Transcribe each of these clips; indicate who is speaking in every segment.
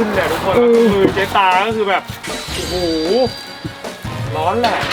Speaker 1: ขึ้นเลยทุกคนมือเจ๊ตาก็คือแบบโอ้โหร้อนแหละ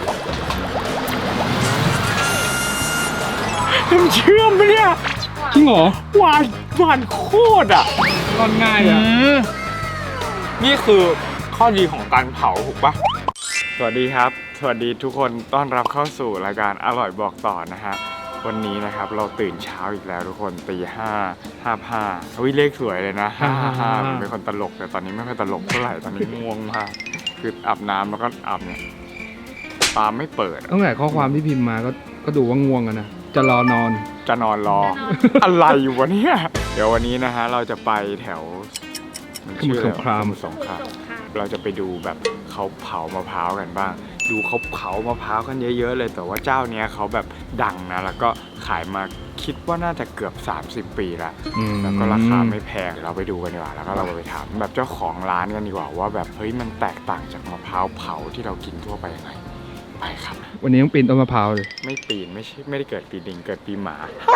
Speaker 1: น้ำเชื่อมปะเนี่ยจริงเหรอหวานโคตรอ่ะร่อนง่ายอ่ะนี่คือข้อดีของการเผาถูกปะสวัสดีครับสวัสดีทุกคนต้อนรับเข้าสู่รายการอร่อยบอกต่อนะฮะวันนี้นะครับเราตื่นเช้าอีกแล้วทุกคนตี 5:55เลขสวยเลยนะ5:55ผมเป็นคนตลกแต่ตอนนี้ไม่ค่อยตลกเท่าไหร่ตอนนี้ง่วงมากคืออาบน้ำแล้วก็อาบเนี่ยตาไม่เปิด
Speaker 2: ตั้งแต่ข้อความที่พิมพ์มาก็ดูว่าง่วงกันนะจะรอนอน
Speaker 1: จะนอนรออะไรอยู่วะเนี่ยเดี๋ยววันนี้นะฮะเราจะไปแถว
Speaker 2: สมุทรสงคราม
Speaker 1: เราจะไปดูแบบเขาเผามะพร้าวกันบ้างดูเขาเผามะพร้าวกันเยอะๆเลยแต่ว่าเจ้าเนี้ยเขาแบบดังนะแล้วก็ขายมาคิดว่าน่าจะเกือบ30 ปีละแล้วก็ราคาไม่แพงเราไปดูกันดีกว่าแล้วก็เราไปถามแบบเจ้าของร้านกันดีกว่าว่าแบบเฮ้ยมันแตกต่างจากมะพร้าวเผาที่เรากินทั่วไปยังไงไปครับ
Speaker 2: วันนี้ต้องปีนต้นมะพร้าวเลย
Speaker 1: ไม่ปีนไม่ได้เกิดปีลิงเกิดปีหมา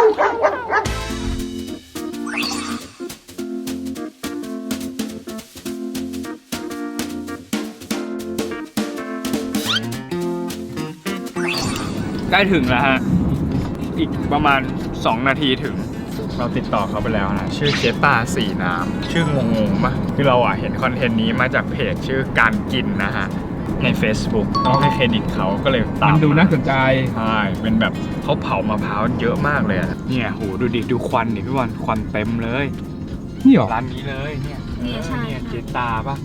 Speaker 1: ใกล้ถึงแล้วฮะอีกประมาณ2 นาทีถึงเราติดต่อเขาไปแล้วนะชื่อเจตาสีน้ำชื่องงๆป่ะคือเราเห็นคอนเทนต์นี้มาจากเพจชื่อการกินนะฮะใน Facebook ต้องให้เครดิตเขาก็เลยตาม
Speaker 2: มันดูน่าสนใจ
Speaker 1: ใช่เป็นแบบเขาเผามะพร้าวเยอะมากเลยเนี่ยโหดูดิดูควันดิพี่บอลควันเต็มเลย
Speaker 2: นี่หรอ
Speaker 1: ร้านนี้เลยเนี่ยเนี่ยเจตาป่ะ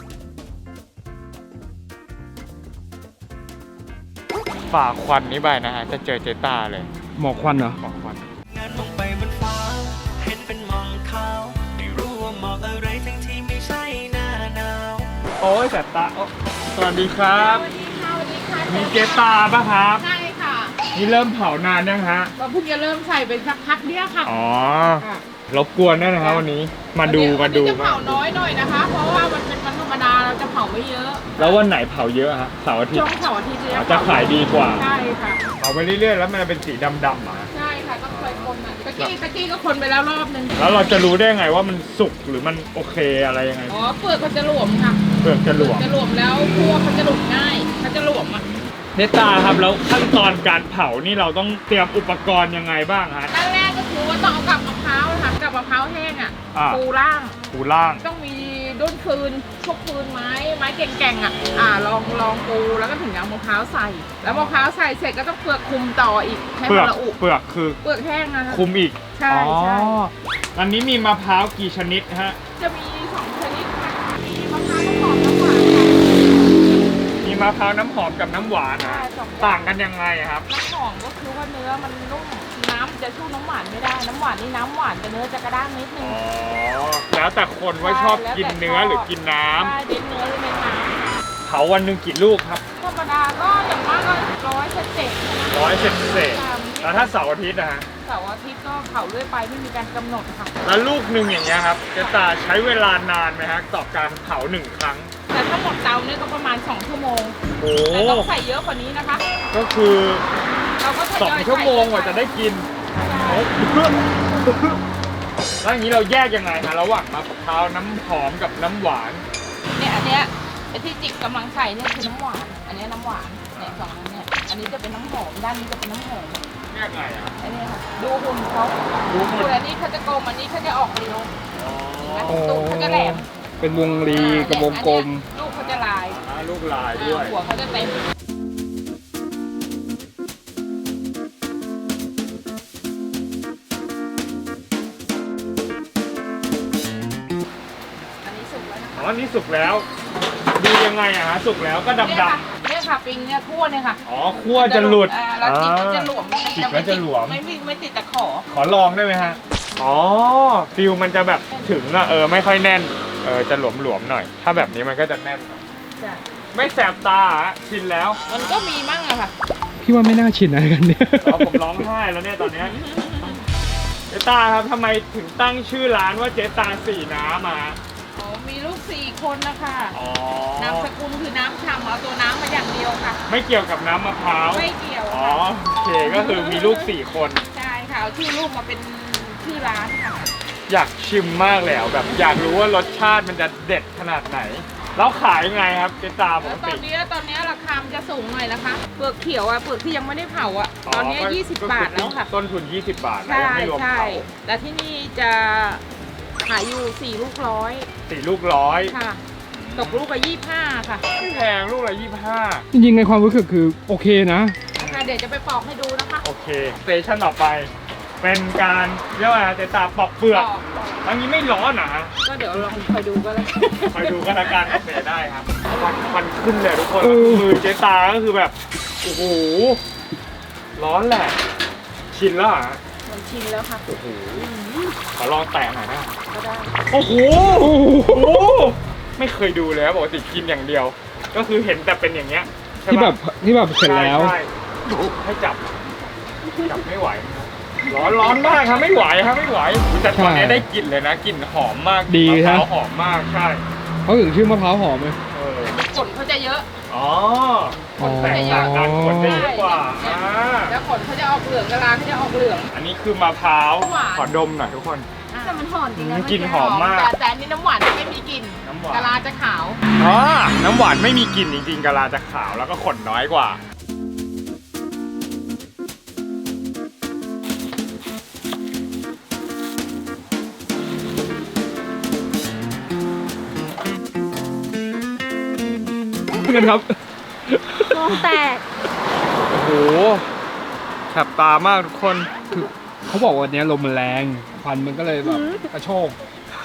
Speaker 1: ฝ่าควันนี้ไปนะฮะจะเจอเจตาเลย
Speaker 2: หมอกควันเหรอ
Speaker 1: หมอกควัน
Speaker 3: ลงไปบนฟ้าเห็นเป็นหมอกขาวไม่รู้ว่าหมอกอะไรทั้งที่ไม่ใช่หน้าหนาว
Speaker 1: โอ้ยแต่ตาสวัสดีครับ
Speaker 4: สวัสดีค่ะสวัสดีค่ะ
Speaker 1: มีเจตาป่ะครับ
Speaker 4: ใช่ค่ะ
Speaker 1: นี่เริ่มเผานานยังฮะ
Speaker 4: เราเพิ่งจะเริ่มใส่เป็นสักพักเดียวค่ะ
Speaker 1: อ๋อรบกวนด้วยนะครับวันนี้มาดู
Speaker 4: จะเผาน้อยหน่อยนะคะเพราะว่ามันเป็นวันธรรมดาเราจะเผาไม่เยอะ
Speaker 1: แล้ววันไหนเผาเยอะฮะเสาร์อาทิตย์
Speaker 4: ช่วงเสาร์อาทิตย์
Speaker 1: จะขายดีกว่า
Speaker 4: ใช่ค่ะ
Speaker 1: เผาไปเรื่อยๆแล้วมันเป็นสีดำๆอ่ะ
Speaker 4: ใช่ค่ะต้องคอยคนอ่ะตะกี้ก็คนไปแล้วรอบนึง
Speaker 1: แล้วเราจะรู้ได้ไงว่ามันสุกหรือมันโอเคอะไรยังไง
Speaker 4: อ๋อเปลือกมันจะหลวมค่ะ
Speaker 1: เปลือกจะหลวม
Speaker 4: แล้วคั่วเขาจะหลุดง่ายเขาจะหลวมอ่ะ
Speaker 1: เนตาครับแล้วขั้นตอนการเผานี่เราต้องเตรียมอุปกรณ์ยังไงบ้างฮะ
Speaker 4: ขั้นแรกก็คือว่าต้องเอากับมะพร้าวค่ะกับมะพร้าวแห้งอ่ะปูล่างต้องมีด้นฟืนพวกฟืนไม้แก่งๆอ่ะลองปูแล้วก็ถึงเอามะพร้าวใส่แล้วมะพร้าวใส่เสร็จก็ต้องเปลือกคุมต่ออีกให้มันละอุ
Speaker 1: เปลือกคือ
Speaker 4: เปลือกแห้งนะ
Speaker 1: คุมอีก
Speaker 4: ใช่
Speaker 1: อันนี้มีมะพร้าวกี่ชนิดฮะ
Speaker 4: จะมี2 ชนิดค่ะมีมะพร้าวน้ำหอมน้ำหวาน
Speaker 1: มีมะพร้าวน้ำหอมกับน้ำหวานต่างกันยังไงครับ
Speaker 4: น้ำหอมก็คือว่าเนื้อมันนุ่มน้ำจะสู้น้ำหวานไม่ได้น้ำหวานนี่น้ำหวานแต่เนื้อจะกระด้างนิดนึง
Speaker 1: แล้วแต่คนว่าชอบกินเนื้อหรือกินน้ำ
Speaker 4: ใช่เน้นเนื้อหรือเน้นน้ำ
Speaker 1: เผาวันหนึ่งกี่ลูกครับ
Speaker 4: ธรรมดาก็อย่างมากก็100 เศษ
Speaker 1: แล้วถ้าเสาร์อาทิตย์นะฮะ
Speaker 4: เสาร์อาทิตย์ก็เผาเรื่อยไปไม่มีการกำหนดค่ะ
Speaker 1: แล้วลูกหนึ่งอย่างเงี้ยครับจะใช้เวลานานไหมฮะต่อการเผา1 ครั้ง
Speaker 4: แต่ถ้าหมดเตาเนี่ยก็ประมาณ2 ชั่วโมงแต่ต้องใส่เยอะกว่านี้นะคะ
Speaker 1: ก็คือ2 ชั่วโมงกว่าจะได้กินแล้วอย่างนี้เราแยกยังไงฮะระหว่างมะพร้าวน้ำหอมกับน้ำหวาน
Speaker 4: เนี่ยอันเนี้ยที่จิกกำลังใส่เนี่ยคือน้ำหวานอันนี้น้ำหวานเนี่ย2 อันเนี่ยอันนี้จะเป็นน้ำหอมด้านนี้จะเป็นน้ำหอม
Speaker 1: แยกไงอ่ะ
Speaker 4: อันนี้ค่ะดูหุ่นเขาอันนี้เขาจะกลมอันนี้เขาจะออกเร็วตูดเขาจะแหลม
Speaker 2: เป็นวงรีกับวงกลม
Speaker 4: ลูกเขาจะลาย
Speaker 1: ลูกลายด้วย
Speaker 4: หัวเขาจะเต็ม
Speaker 1: อันนี้สุกแล้วดูยังไงอะฮะสุกแล้วก็ดำ
Speaker 4: เนี่ยค่ะปิงเนี่ยคั่วเนี่ยค่ะ
Speaker 1: คั่วจะหลุด
Speaker 4: แล้วจิกจะหลวม
Speaker 1: จิกแล้วจะหลวม
Speaker 4: ไม่ติดตะ
Speaker 1: ขอลองได้ไหมฮะฟิลมันจะแบบถึงอะไม่ค่อยแน่นจะหลวมหน่อยถ้าแบบนี้มันก็จะแน่นไม่แสบตาชินแล้ว
Speaker 4: มันก็มีมั่งอะค่ะ
Speaker 2: พี่ว่าไม่น่าชินอะไรกันเนี่ย
Speaker 1: ผมร้องไห้แล้วเนี่ยตอนนี้เจตาครับทำไมถึงตั้งชื่อร้านว่าเจตาสีน้ำมา
Speaker 4: มีลูก4 คนนะคะนามสกุลคือน้ำฉ่ำเอาตัวน้ำมาอย่างเดียวค่ะ
Speaker 1: ไม่เกี่ยวกับน้ำมะพร้าว
Speaker 4: ไม่เกี่ยว
Speaker 1: โอเคก็คือมีลูก4 คน
Speaker 4: ใช่ค่ะเอาชื่อลูกมาเป็นชื่อร้านค่ะ
Speaker 1: อยากชิมมากแล้วแบบอยากรู้ว่ารสชาติมันจะเด็ดขนาดไหนแล้วขายยังไงครับเจ๊ตาป
Speaker 4: แล้ว
Speaker 1: ก
Speaker 4: ตอ
Speaker 1: ติ
Speaker 4: นนี้ราคามันจะสูงหน่อยนะคะเปลือกเขียวเปลือกที่ยังไม่ได้เผาตอนนี้20 บาทแล้วค่ะ
Speaker 1: ต้นทุน20 บาทนะ
Speaker 4: ใช่
Speaker 1: ยังไม่รวม
Speaker 4: ใช่
Speaker 1: เผา
Speaker 4: แต่ที่นี่จะขายอยู่4 ลูกร้อย
Speaker 1: 4 ลูก100
Speaker 4: ค่ะ ตกลูกละ25ค่ะ
Speaker 1: ไม่แพงลูกละ25
Speaker 2: จริงๆในความรู้สึกคือโอเคนะ
Speaker 4: เดี๋ยวจะไปปอกให้ดูนะคะ
Speaker 1: โอเคสเตชันต่อไปเป็นการเรียกว่าอะไรเจ๊ตาปอกเปลือก
Speaker 4: ปอก
Speaker 1: อันนี้ไม่ร้อนนะฮะ
Speaker 4: ก็เดี๋ยวลองคอยดูก็แล้ว
Speaker 1: คอยดูกันละกันโอเคได้ครับควันขึ้นเลยทุกคน
Speaker 2: เออ
Speaker 1: มือเจ๊ตาก็คือแบบโอ้โหร้อนแหละชินแล้วเหรอฮะ
Speaker 4: มันชินแล้วค่ะ
Speaker 1: โอ้โหขอลองแตะหน่อยนะ
Speaker 4: ก็ได้
Speaker 1: โอ้โหไม่เคยดูเลยครับปกติกินอย่างเดียว ก็คือเห็นแต่เป็นอย่างเงี้ยใช่
Speaker 2: ที่
Speaker 1: ปะ
Speaker 2: แบบเสร็จแล้ว
Speaker 1: ใช่ให้จับไม่ไหว ร้อนมากครับไม่ไหวครับไม่ไหวแต่ตอนนี้ได้กลิ่นเลยนะกลิ่นหอมมาก
Speaker 2: ดี
Speaker 1: มะพ
Speaker 2: ครั
Speaker 1: ร้า
Speaker 2: บ
Speaker 1: วหอมมากใช่
Speaker 2: เขาถึงชื่อมะพร้าวหอมเลย
Speaker 1: เออ
Speaker 4: ขนเขาจะเยอะ
Speaker 1: อ๋อคนแตกต่างกันคนได้เยอะกว่าอ่า
Speaker 4: แล้วขนเขาจะออกเหลืองกะลาเขาจะออกเหลือง
Speaker 1: อันนี้คือมะพร้าว
Speaker 4: หวาน
Speaker 1: ขอดมหน่อยทุกคน
Speaker 5: แต่มันหอมจริงนะ
Speaker 1: กลิ่นหอมมาก
Speaker 4: แต่อันนี้น้ำหวานไม่มีกลิ่น
Speaker 1: น้ำหวาน
Speaker 4: กะลาจะขาว
Speaker 1: อ๋อน้ำหวานไม่มีกลิ่นจริงๆกะลาจะขาวแล้วก็ขนน้อยกว่า
Speaker 2: กันครับ
Speaker 5: มองแตก
Speaker 1: โอ้โหแสบตามากทุกคน
Speaker 2: คือเขาบอกว่าวันนี้ลมมันแรงควันมันก็เลยแบบกระโชก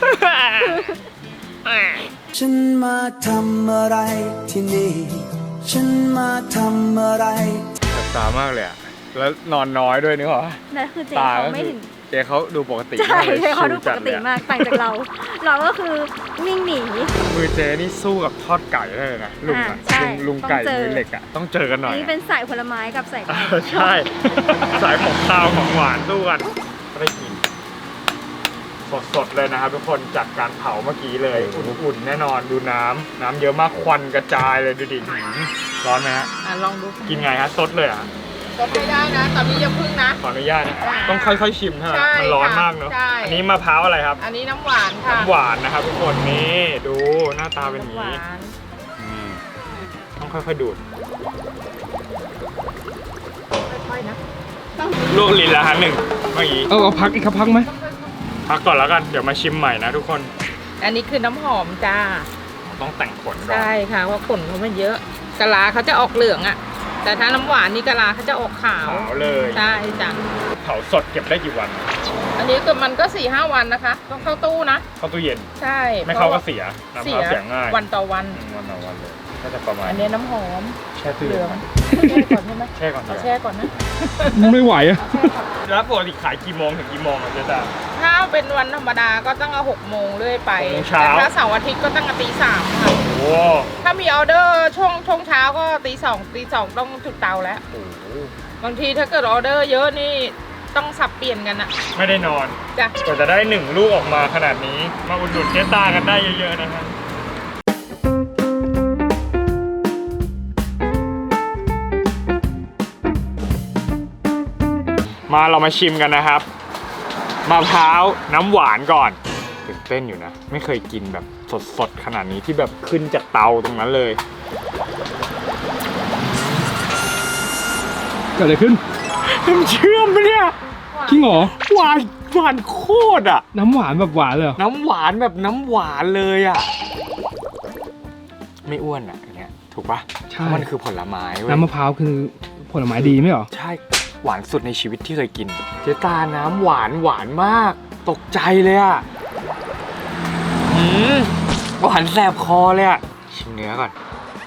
Speaker 3: ฉันมาทำอะไรที่นี่ ฉันมาทำอะไร
Speaker 1: แสบตามากเลยอะแล้วนอนน้อยด้วยนึกออกปะ
Speaker 5: นั่นคือเจ
Speaker 1: ตา
Speaker 5: เขา
Speaker 1: ก็
Speaker 5: ไม่
Speaker 1: คือ
Speaker 5: ถึง
Speaker 1: เจ๊เขาดูปกติ
Speaker 5: ใช่
Speaker 1: มากเลย
Speaker 5: เจเขาดู
Speaker 1: ชิล
Speaker 5: ป
Speaker 1: จั
Speaker 5: ก
Speaker 1: ล
Speaker 5: ติ
Speaker 1: ยอะ
Speaker 5: มากต่างจากเรา เราก็คือวิ่งหนี
Speaker 1: มือเจ๊นี่สู้กับทอดไก่ได้เลยนะลุงอะ
Speaker 5: ใช่
Speaker 1: ลุงไก่
Speaker 5: ต้องเจอ
Speaker 1: มือเหล็กอะต้องเจอกันหน่
Speaker 5: อั
Speaker 1: อน ย
Speaker 5: นี้
Speaker 1: อะ
Speaker 5: เป็นสายผลไม้กับสายไก่
Speaker 1: ใช่ สายของข้าวของหวานสู้กันก็ได้กินสดๆเลยนะครับทุกคนจากการเผาเมื่อกี้เลยอุ่นๆแน่นอนดูน้ำเยอะมากควันกระจายเลยดูดิร้อนไหมฮะ
Speaker 4: ลองดู
Speaker 1: กินไงฮะซดเลยอ่ะ
Speaker 4: ก็ไม่ได้นะ ตอนนี้อย่าพึ่งนะ
Speaker 1: ขออนุญาตนะต้องค่อยๆชิมใช่ไหม
Speaker 4: ใช่
Speaker 1: มันร้อน
Speaker 4: ค่ะ
Speaker 1: มากเนอะ
Speaker 4: ใช่
Speaker 1: อันนี้มะพร้าวอะไรครับ
Speaker 4: อันนี้น้ำหวานค่ะ
Speaker 1: น้ำหวานนะครับทุกคนนี่ดูหน้าตาเป็นอย่าง
Speaker 4: น้ำหวา
Speaker 1: นี้
Speaker 4: น
Speaker 1: อืมต้องค่อยๆดูด
Speaker 4: ค่อยๆนะ
Speaker 1: ลวกลิ้นละฮะหนึ่งเมื่อกี้
Speaker 2: เอาพักอีกครับพักไหม
Speaker 1: พักก่อนแล้วกันเดี๋ยวมาชิมใหม่นะทุกคน
Speaker 4: อันนี้คือน้ำหอมจ้า
Speaker 1: ต้องแต่งขนก่อน
Speaker 4: ใช่ค่ะว่าขนเขาไม่เยอะกะลาเขาจะออกเหลืองอะแต่ถ้าน้ำหวานนี่กะลาเขาจะออกขาว
Speaker 1: ขาวเลย
Speaker 4: ใช่จ้ะ
Speaker 1: เผาสดเก็บได้กี่วัน
Speaker 4: อันนี้ก็มันก็ 4-5 วันนะคะ ต้องเข้าตู้นะ
Speaker 1: เข้าตู้เย็น
Speaker 4: ใช่
Speaker 1: ไม่เข้าก็เสียน้ำ
Speaker 4: เสี
Speaker 1: เผาเสียง่าย
Speaker 4: วันต่อวัน
Speaker 1: วันต่อวันเลยก็จะประมาณ
Speaker 4: อันนี้น้ำหอม
Speaker 1: แช่ตู้
Speaker 4: เห
Speaker 1: เย็
Speaker 4: ลื
Speaker 1: น
Speaker 4: องแช่ก่อนใช่ไหม
Speaker 1: แช่ก่อน
Speaker 4: เอา
Speaker 1: เถ
Speaker 4: แช่
Speaker 1: อะ
Speaker 4: ก่อนนะ
Speaker 2: ไม่ไหวอะ
Speaker 4: แช่ก่อน
Speaker 1: แล้วปกติขายกี่โมงถึงกี่โมงอะเจ๊ตา
Speaker 4: ถ้าเป็นวันธรรมดาก็ตั้งแต่6 โมงเรื่อยไป
Speaker 1: 6 โมงเช้า
Speaker 4: แต่ถ้าเสาร์อาทิตย์ก็ตั้งแต่ตี 3ค่ะ
Speaker 1: โอ้
Speaker 4: ถ้ามีออเดอร์ช่วงเช้าก็ตี 2ต้องถึงเตาแล้ว
Speaker 1: โห
Speaker 4: บางทีถ้าเกิดออเดอร์เยอะนี่ต้องสับเปลี่ยนกันอะ
Speaker 1: ไม่ได้นอน
Speaker 4: จ้ะ
Speaker 1: กว่าจะได้1 ลูกออกมาขนาดนี้ มาอุดหนุนเจ๊ตากันได้เยอะๆนะครับมาเรามาชิมกันนะครับมะพร้าวน้ำหวานก่อนตื่นเต้นอยู่นะ ไม่เคยกินแบบสดๆขนาดนี้ที่แบบขึ้นจากเตาตรงนั้นเลย
Speaker 2: เกิดอะไรขึ้น
Speaker 1: น้ำเชื่อมปะเนี่ย
Speaker 2: จริงเหรอ
Speaker 1: หวานโคตรอ่ะ
Speaker 2: น้ำหวานแบบหวานเลยเหรอ
Speaker 1: น้ำหวานแบบน้ำหวานเลยอ่ะ ไม่อ้วนอ่ะอย่างเงี้ยถูกปะ
Speaker 2: ใช่
Speaker 1: เพราะมันคือผลไม้เว้ย
Speaker 2: น้ำมะพร้าวคือผลไม้ดีไหมเหรอ
Speaker 1: ใช่หวานสุดในชีวิตที่เคยกิน เจ๊ตาน้ำหวานมาก ตกใจเลยอ่ะหวานแสบคอเลยอ่ะชิมเนื้อก่อน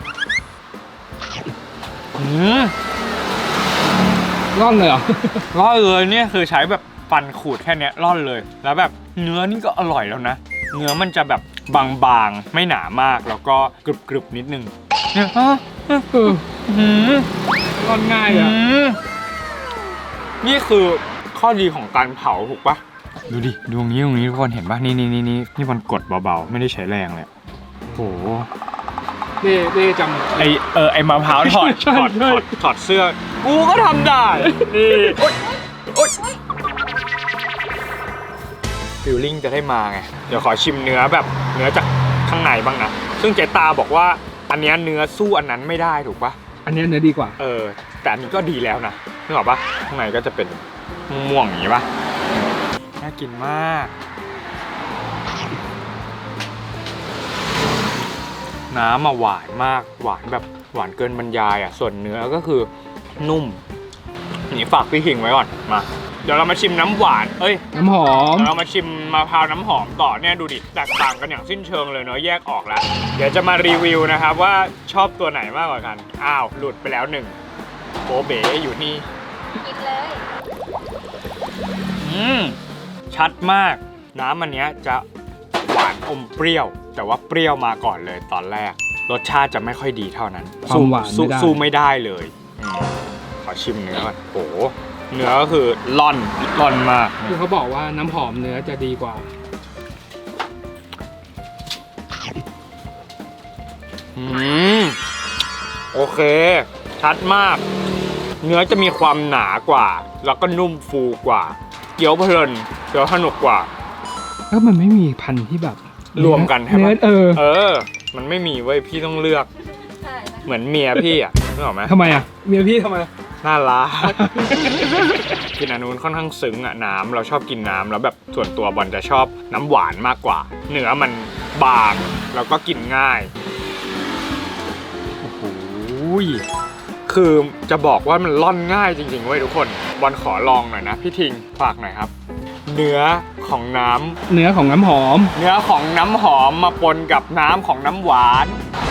Speaker 2: ร่อนเลยเหรอ
Speaker 1: ร่อนเลยเนี่ยคือใช้แบบฟันขูดแค่เนี้ยร่อนเลย แล้วแบบเนื้อนี่ก็อร่อยแล้วนะ เนื้อมันจะแบบบางๆไม่หนามากแล้วก็กรึบๆนิดนึงเนี่ย
Speaker 2: ร่อนง่ายอะ
Speaker 1: นี่คือข้อดีของการเผาถูกปะดูดิดวงนี้ทุกคนเห็นปะนี่มันกดเบาๆไม่ได้ใช้แรงเลยโอ้โห
Speaker 2: เด้จำ
Speaker 1: ไอมะพร้าวถอด
Speaker 2: ใช่
Speaker 1: ถอดเสื้อกูก็ทำได้นี่โอ๊ยฟิลลิ่งจะได้มาไงเดี๋ยวขอชิมเนื้อแบบเนื้อจากข้างในบ้างนะซึ่งเจตาบอกว่าอันเนี้ยเนื้อสู้อันนั้นไม่ได้ถูกปะ
Speaker 2: อันเนี้ยเนื้อดีกว่า
Speaker 1: แต่อันนี้ก็ดีแล้วนะนึกออกปะข้างในก็จะเป็นม่วงอย่างนี้ปะน่ากินมากน้ำหวานมากหวานแบบหวานเกินบรรยายอ่ะส่วนเนื้อก็คือนุ่มนี่ฝากพี่หิงไว้ก่อนมาเดี๋ยวเรามาชิมน้ำหวาน
Speaker 2: น้ำหอม
Speaker 1: เรามาชิมมะพร้าวน้ำหอมต่อเนี่ยดูดิแตกต่างกันอย่างสิ้นเชิงเลยเนาะแยกออกแล้วเดี๋ยวจะมารีวิวนะครับว่าชอบตัวไหนมากกว่ากันอ้าวหลุดไปแล้วหนึ่งโบเบ๋อยู่นี่
Speaker 5: กินเลย
Speaker 1: ชัดมากน้ำอันเนี้ยจะหวานอมเปรี้ยวแต่ว่าเปรี้ยวมาก่อนเลยตอนแรกรสชาติจะไม่ค่อยดีเท่านั้น
Speaker 2: ความหวานไม่ได้
Speaker 1: สู้ไม่ได้เลยขอชิมเนื้อก่อนโอ้โหเนื้อก็คือล่อนมาก
Speaker 2: คือเขาบอกว่าน้ำหอมเนื้อจะดีกว่า
Speaker 1: โอเคชัดมากเนื้อจะมีความหนากว่าแล้วก็นุ่มฟูกว่าเคี้ยวเพลินเคี้ยวสนุกกว่า
Speaker 2: แล้วมันไม่มีพันธุ์ที่แบบ
Speaker 1: รวมกันใช่ไหม
Speaker 2: เนื้อ
Speaker 1: มันไม่มีเว้ยพี่ต้องเลือก
Speaker 5: ใช่
Speaker 1: เหมือนเมียพี่อ่ะนึกออกไหม
Speaker 2: ทำไมอ่ะเมียพี่ทำไม
Speaker 1: น่ารัก กินอันนู้นค่อนข้างซึ้งอ่ะน้ำเราชอบกินน้ำแล้วแบบส่วนตัวบอลจะชอบน้ำหวานมากกว่าเนื้อมันบางแล้วก็กินง่ายโอ้โหคือจะบอกว่ามันล่อนง่ายจริงๆเว้ยทุกคนบอลขอลองหน่อยนะพี่ทิงฝากหน่อยครับเนื้อของน้ำ
Speaker 2: เนื้อของน้ำหอม
Speaker 1: เนื้อของน้ำหอมมาปนกับน้ำของน้ำหวาน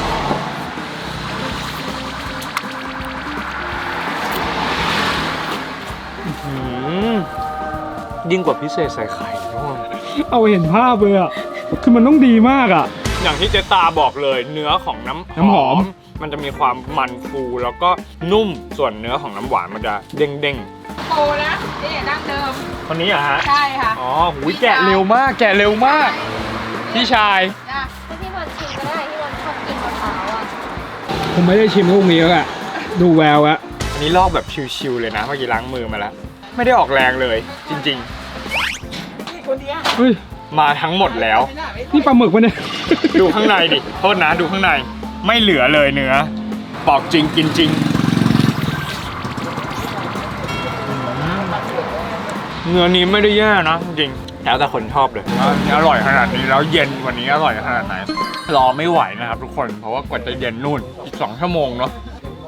Speaker 1: ยิ่งกว่าพิเศษใส่ไข่ทุกคน
Speaker 2: เอาเห็นภาพเลยอ่ะคือมันต้องดีมากอ่ะ
Speaker 1: อย่างที่เจตาบอกเลยเนื้อของน้ำหอมมันจะมีความมันฟูแล้วก็นุ่มส่วนเนื้อของน้ำหวานมันจะเด้ง
Speaker 4: โตนะนี่ดั้งเดิม
Speaker 1: ๆคนนี้เหรอฮะ
Speaker 4: ใช่ค่ะ
Speaker 1: อ๋อหูยแกะเร็วมากพี่ชาย
Speaker 4: จ้ะ
Speaker 5: พี่บอลชิมก็ได้พี่บอลชอบกินมะพร้าวอ่ะ
Speaker 2: ผมไม่ได้ชิมลูกนี้แล้วอ่ะดูแววอะ
Speaker 1: อันนี้ลอกแบบชิวๆเลยนะเมื่อกี้ล้างมือมาแล้วไม่ได้ออกแรงเลยจริง
Speaker 4: นี่คนเนี้ย
Speaker 2: เฮ้ย
Speaker 1: ๆมาทั้งหมดแล้ว
Speaker 2: นี่ปลาหมึกปะเนี่ย
Speaker 1: ดูข้างในดิโทษนะดูข้างในไม่เหลือเลยเนื้อปอกจริงกินจริงเนื้อนี้ไม่ได้แย่นะจริงแล้วแต่คนชอบเลยอันนี้อร่อยขนาดนี้แล้วเย็นวันนี้อร่อยขนาดไหนรอไม่ไหวนะครับทุกคนเพราะว่ากว่าจะเย็นนู่นอีก2 ชั่วโมงเนาะ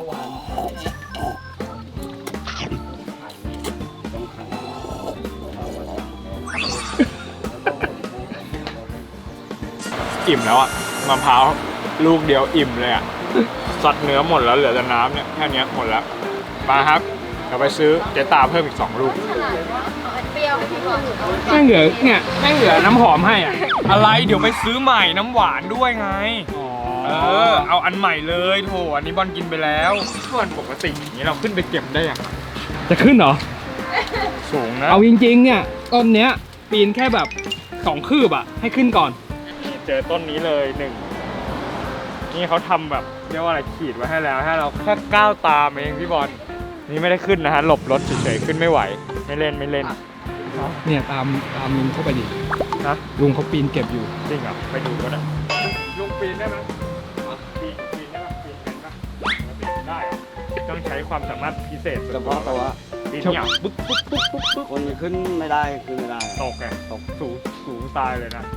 Speaker 1: อิ่มแล้วอะมะพร้าวลูกเดียวอิ่มเลยอะสัดเนื้อหมดแล้วเหลือแต่น้ำเนี่ยแค่นี้หมดแล้วมาครับเดี๋ยวไปซื้อเจตาเพิ่มอีก2 ลูก
Speaker 5: เอาอันเปรี้ยวให้พี่บอล
Speaker 2: แม่งเหลือเนี่ยแม่งเหลือน้ำหอมให้อ่ะ
Speaker 1: อะไรเดี๋ยวไปซื้อใหม่น้ำหวานด้วยไงเอาอันใหม่เลยโถอันนี้บอลกินไปแล้วส่วนปกติอย่างนี้เราขึ้นไปเก็บได้ยัง
Speaker 2: จะขึ้นเหรอ
Speaker 1: สูงนะ
Speaker 2: เอาจริงๆเนี่ยต้นเนี้ยปีนแค่แบบ2 คืบอ่ะให้ขึ้นก่อน
Speaker 1: เจอต้นนี้เลย1นี่เขาทำแบบเรียกว่าอะไรขีดไว้ให้แล้วให้เราแค่ก้าวตามเองพี่บอลนี่ไม่ได้ขึ้นนะฮะหลบรถเฉยๆขึ้นไม่ไหวไม่เล่น
Speaker 2: เนี่ยตามลุงเข้าไปดิ
Speaker 1: นะ
Speaker 2: ลุงเขาปีนเก็บอยู่
Speaker 1: จริงเหรอไปดูก็ได้ลุงปีนได้ไหมปีนได้ไหมปีนเป็นปะปีนได้เหรอต้องใช้ความสามารถพิเศษ
Speaker 6: เฉพาะตัว
Speaker 1: ปีนเนี่ยปึ๊ก
Speaker 6: คนขึ้นไม่ได้ขึ้นไม่ได้
Speaker 1: ตกไงตกสูงตายเลยนะ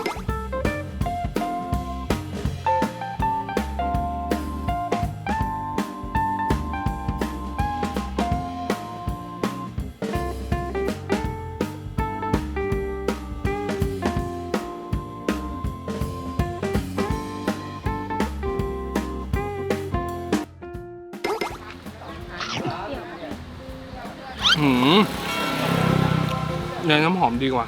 Speaker 2: เนยน้ำหอมดีกว่า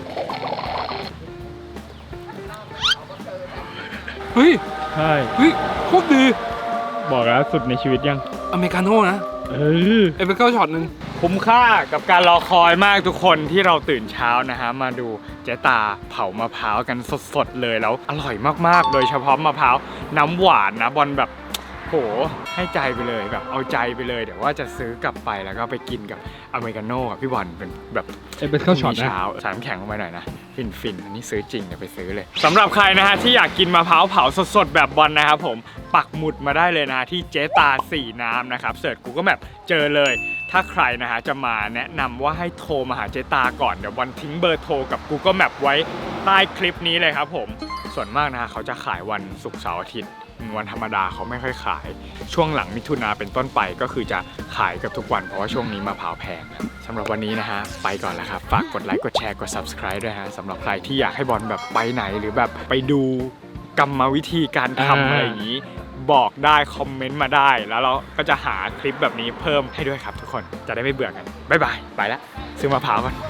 Speaker 2: เฮ้ย
Speaker 1: ใช่
Speaker 2: โคตรดี
Speaker 1: บอกแล้วสุดในชีวิตยัง
Speaker 2: อเมริกาโน่นะเอเปเกิลช็อตนึง
Speaker 1: คุ้มค่ากับการรอคอยมากทุกคนที่เราตื่นเช้านะฮะมาดูเจ๊ตาเผามะพร้าวกันสดๆเลยแล้วอร่อยมากๆโดยเฉพาะมะพร้าวน้ำหวานนะบอลแบบโหให้ใจไปเลยแบบเอาใจไปเลยเดี๋ยวว่าจะซื้อกลับไปแล้วก็ไปกินกับอเมริกาโน่กับพี่บอลเป็นแบบ
Speaker 2: เป็นข้าวช็อตนะ
Speaker 1: เช้าใส่น้ำแข็งลงไปหน่อยนะฟินอันนี้ซื้อจริงเดี๋ยวไปซื้อเลยสำหรับใครนะฮะที่อยากกินมะพร้าวเผาสดๆแบบบอลนะครับผมปักหมุดมาได้เลยนะที่เจตา4น้ำนะครับเสิร์ชกูก็แบบเจอเลยถ้าใครนะฮะจะมาแนะนำว่าให้โทรมาหาเจตาก่อนเดี๋ยวบอลทิ้งเบอร์โทรกับ Google Map ไว้ใต้คลิปนี้เลยครับผมส่วนมากนะฮะเขาจะขายวันศุกร์เสาร์อาทิตย์วันธรรมดาเขาไม่ค่อยขายช่วงหลังมิถุนาเป็นต้นไปก็คือจะขายกับทุกวันเพราะว่าช่วงนี้มะพร้าวแพงสำหรับวันนี้นะฮะไปก่อนแล้วครับฝากกดไลค์กดแชร์กด Subscribe ด้วยฮะสำหรับใครที่อยากให้บอลแบบไปไหนหรือแบบไปดูกรรมวิธีการทำอะไรอย่างนี้บอกได้คอมเมนต์มาได้แล้วเราก็จะหาคลิปแบบนี้เพิ่มให้ด้วยครับทุกคนจะได้ไม่เบื่อกันบ๊ายบายไปแล้วซื้อมะพร้าวก่อน